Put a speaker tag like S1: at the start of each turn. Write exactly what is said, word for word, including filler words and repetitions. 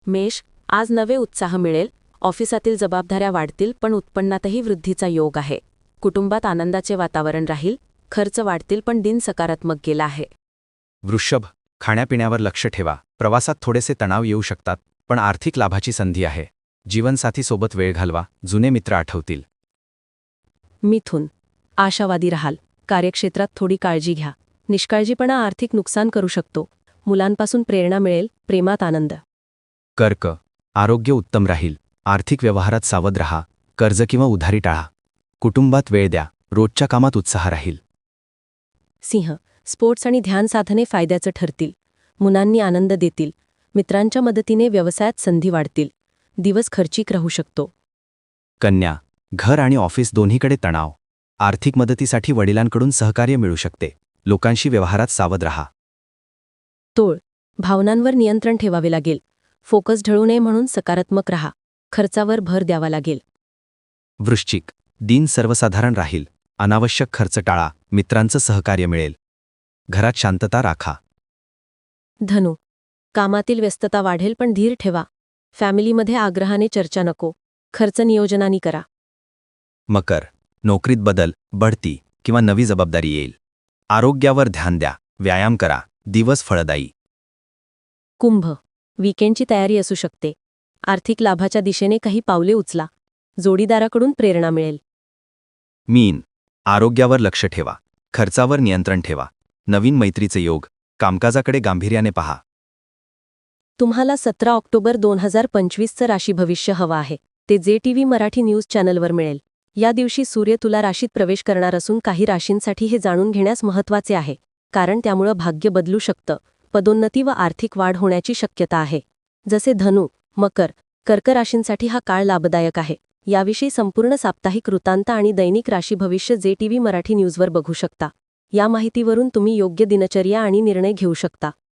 S1: मेष, आज नवे उत्साह मिळेल. ऑफिसातील जबाबदाऱ्या वाढतील, पण उत्पन्नातही वृद्धीचा योग आहे. कुटुंबात आनंदाचे वातावरण राहील. खर्च वाढतील, पण दिन सकारात्मक गेला आहे.
S2: वृषभ, खाण्यापिण्यावर लक्ष ठेवा. प्रवासात थोडेसे तणाव येऊ शकतात, पण आर्थिक लाभाची संधी आहे. जीवनसाथीसोबत वेळ घालवा, जुने मित्र आठवतील.
S1: मिथुन, आशावादी राहाल. कार्यक्षेत्रात थोडी काळजी घ्या. निष्काळजीपणा आर्थिक नुकसान करू शकतो. मुलांपासून प्रेरणा मिळेल. प्रेमात आनंद.
S2: कर्क, आरोग्य उत्तम राहील. आर्थिक व्यवहारात सावध रहा. कर्ज किंवा उधारी टाळा. कुटुंबात वेळ द्या. रोजच्या कामात उत्साह राहील.
S1: सिंह, स्पोर्ट्स आणि ध्यान साधने फायद्याचं ठरतील. मुलांनी आनंद देतील. मित्रांच्या मदतीने व्यवसायात संधी वाढतील. दिवस खर्चिक राहू शकतो.
S2: कन्या, घर आणि ऑफिस दोन्हीकडे तणाव. आर्थिक मदतीसाठी वडिलांकडून सहकार्य मिळू शकते. लोकांशी व्यवहारात सावध रहा.
S1: तोळ, भावनांवर नियंत्रण ठेवावे लागेल. फोकस ढळू नये म्हणून सकारात्मक रहा. खर्चावर भर द्यावा लागेल.
S2: वृश्चिक, दिन सर्वसाधारण राहील. अनावश्यक खर्च टाळा. मित्रांचं सहकार्य मिळेल. घरात शांतता राखा.
S1: धनु, कामातील व्यस्तता वाढेल, पण धीर ठेवा. फॅमिलीमध्ये आग्रहाने चर्चा नको. खर्च नियोजनाने करा.
S2: मकर, नोकरीत बदल, बढती किंवा नवी जबाबदारी येईल. आरोग्यावर ध्यान द्या. व्यायाम करा. दिवस फळदायी.
S1: कुंभ, वीकेंडची तयारी असू शकते. आर्थिक लाभाच्या दिशेने काही पावले उचला. जोडीदाराकडून प्रेरणा मिळेल.
S2: मीन, आरोग्यावर लक्ष ठेवा. खर्चावर नियंत्रण ठेवा. नवीन मैत्रीचे योग. कामकाजाकडे गांभीर्याने पहा.
S1: तुम्हाला सतरा ऑक्टोबर दोन हजार पंचवीसचं राशी भविष्य हवं आहे. ते जे टीव्ही मराठी न्यूज चॅनलवर मिळेल. या दिवशी सूर्य तुला राशीत प्रवेश करणार असून काही राशींसाठी हे जाणून घेण्यास महत्त्वाचे आहे, कारण त्यामुळं भाग्य बदलू शकतं. पदोन्नती व आर्थिक वाढ होण्याची शक्यता आहे. जसे धनु, मकर, कर्क राशींसाठी हा काळ लाभदायक आहे. याविषयी संपूर्ण साप्ताहिक वृत्तांत आणि दैनिक राशी भविष्य जे टीव्ही मराठी न्यूजवर बघू शकता. या माहितीवरून तुम्ही योग्य दिनचर्या आणि निर्णय घेऊ शकता.